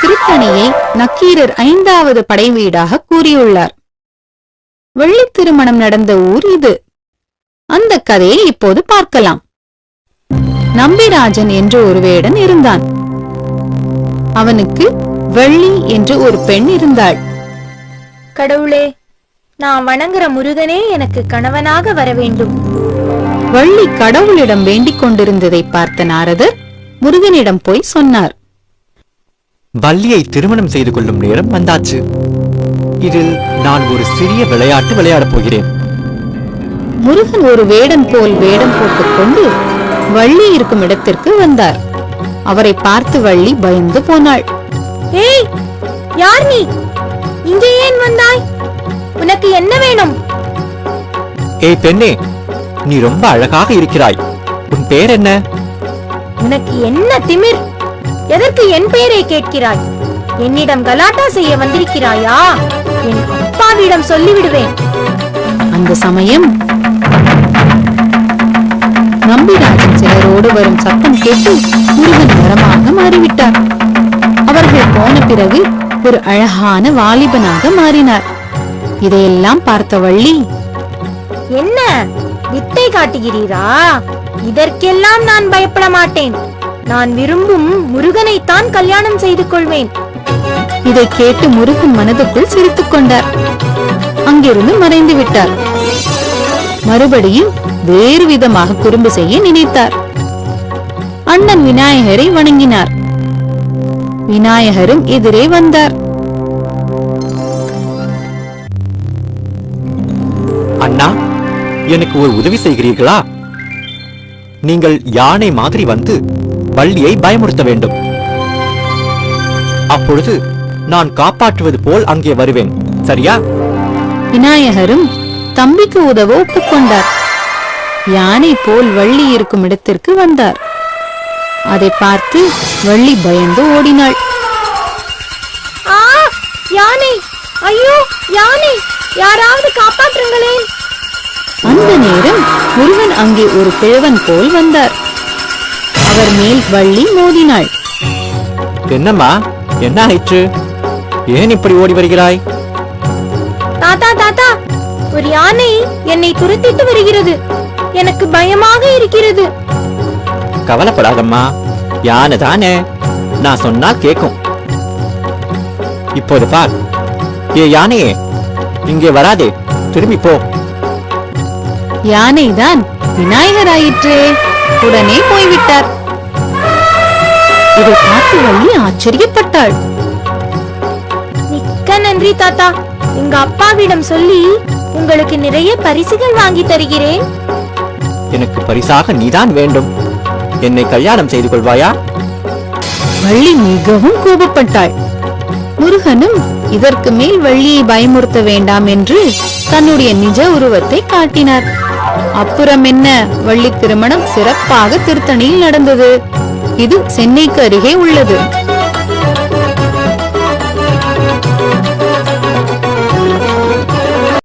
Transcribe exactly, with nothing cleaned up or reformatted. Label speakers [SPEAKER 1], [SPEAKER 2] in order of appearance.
[SPEAKER 1] திருத்தணியை நக்கீரர் ஐந்தாவது படை வீடாக கூறியுள்ளார். வெள்ளி திருமணம் நடந்த ஊர் இது. அந்த கதையை இப்போது பார்க்கலாம். நம்பிராஜன் என்ற ஒரு வேடன் இருந்தான். அவனுக்கு வெள்ளி என்று ஒரு பெண் இருந்தாள்.
[SPEAKER 2] கடவுளே, நான் வணங்குற முருகனே எனக்கு கணவனாக வர வேண்டும்.
[SPEAKER 1] வள்ளி கடவுளிடம் வேண்டிக் கொண்டிருந்ததை பார்த்த நாரதர் முருகனிடம் போய் சொன்னார்.
[SPEAKER 3] வள்ளியை திருமணம் செய்து கொள்ளும் நேரம் வந்தாச்சு. இதில் நான் ஒரு சிறிய விளையாட்டு விளையாடப் போகிறேன்.
[SPEAKER 1] முருகன் ஒரு வேடன் போல் வேடம் போட்டுக் கொண்டு வள்ளி இருக்கும் இடத்திற்கு வந்தார். அவரை பார்த்து வள்ளி பயந்து போனாள்.
[SPEAKER 2] ஏய், யார் நீ? இங்கே ஏன் வந்தாய்? உனக்கு என்ன வேணும்?
[SPEAKER 3] ஏய் பெண்ணே, நீ ரொம்ப அழகாக இருக்கிறாய். உன் பெயர் என்ன?
[SPEAKER 2] உனக்கு என்ன திமிர்? எதற்கு என் பெயரை கேட்கிறாய்? என்னிடம் கலாட்டா செய்ய வந்திருக்கிறாயா? என் அப்பாவிடம் சொல்லிவிடுவேன்.
[SPEAKER 1] அந்த சமயம் நம்பிராஜன் சிலரோடு வரும் சத்தம் கேட்டு முருகன் மரமாக மாறிவிட்டார். அவர்கள் போன பிறகு ஒரு அழகான வாலிபனாக மாறினார். இதையெல்லாம் பார்த்த வள்ளி,
[SPEAKER 2] என்ன வித்தை காட்டுகிறீரா? இதற்கெல்லாம் நான் பயப்பட மாட்டேன். நான் விரும்பும் முருகனைத்தான் கல்யாணம் செய்து கொள்வேன்.
[SPEAKER 1] இதை கேட்டு முருகன் மனதுக்குள் சிரித்துக் கொண்டார். அங்கிருந்து மறைந்து விட்டார். மறுபடியும் வேறு விதமாக குறும்பு செய்ய நினைத்தார். அண்ணன் விநாயகரை வணங்கினார். விநாயகரும் எதிரே வந்தார்.
[SPEAKER 3] அண்ணா, எனக்கு ஒரு உதவி செய்கிறீர்களா? நீங்கள் யானை மாதிரி வந்து வள்ளியை பயமுறுத்த வேண்டும். அப்பொழுது நான் காப்பாற்றுவது போல் அங்கே வருவேன். சரியா?
[SPEAKER 1] விநாயகரும் தம்பிக்கு உதவ ஒப்புக்கொண்டார். யானை போல் வள்ளி இருக்கும் இடத்திற்கு வந்தார். அதை பார்த்து வள்ளி பயந்து ஓடினாள்.
[SPEAKER 2] ஆ, யானை! ஐயோ, யானை! யாராவது காப்பாற்றுங்களேன்!
[SPEAKER 1] அந்த நேரம் முருகன் அங்கே ஒரு கிழவன் போல் வந்தார். அவர் மேல் வள்ளி மோதினாள்.
[SPEAKER 3] என்னம்மா, என்ன ஆயிற்று? ஏன் இப்படி ஓடி வருகிறாய்?
[SPEAKER 2] தாத்தா தாத்தா, ஒரு யானை என்னை துரத்திட்டு வருகிறது. எனக்கு பயமாக இருக்கிறது.
[SPEAKER 3] கவலைப்படாதம்மா, யானை தானே, நான் சொன்னா கேக்கும். இப்போது பார். ஏ யானையே, இங்கே வராதே, திரும்பி போ.
[SPEAKER 1] யானைதான் விநாயகர் ஆயிற்றே. உடனே போய்விட்டார். இதை பார்த்து வள்ளி ஆச்சரியப்பட்டாள்.
[SPEAKER 2] மிக்க நன்றி தாத்தா. எங்க அப்பாவிடம் சொல்லி உங்களுக்கு நிறைய பரிசுகள் வாங்கி தருகிறேன்.
[SPEAKER 3] எனக்கு பரிசாக நீதான் வேண்டும். என்னை கல்யாணம் செய்து கொள்வாயா?
[SPEAKER 1] வள்ளி மிகவும் கோபப்பட்டாள். முருகனும் இதற்கு மேல் வள்ளியை பயமுறுத்த வேண்டாம் என்று தன்னுடைய நிஜ உருவத்தை காட்டினார். அப்புறம் என்ன, வள்ளி திருமணம் சிறப்பாக திருத்தணியில் நடந்தது. இது சென்னைக்கு அருகே உள்ளது.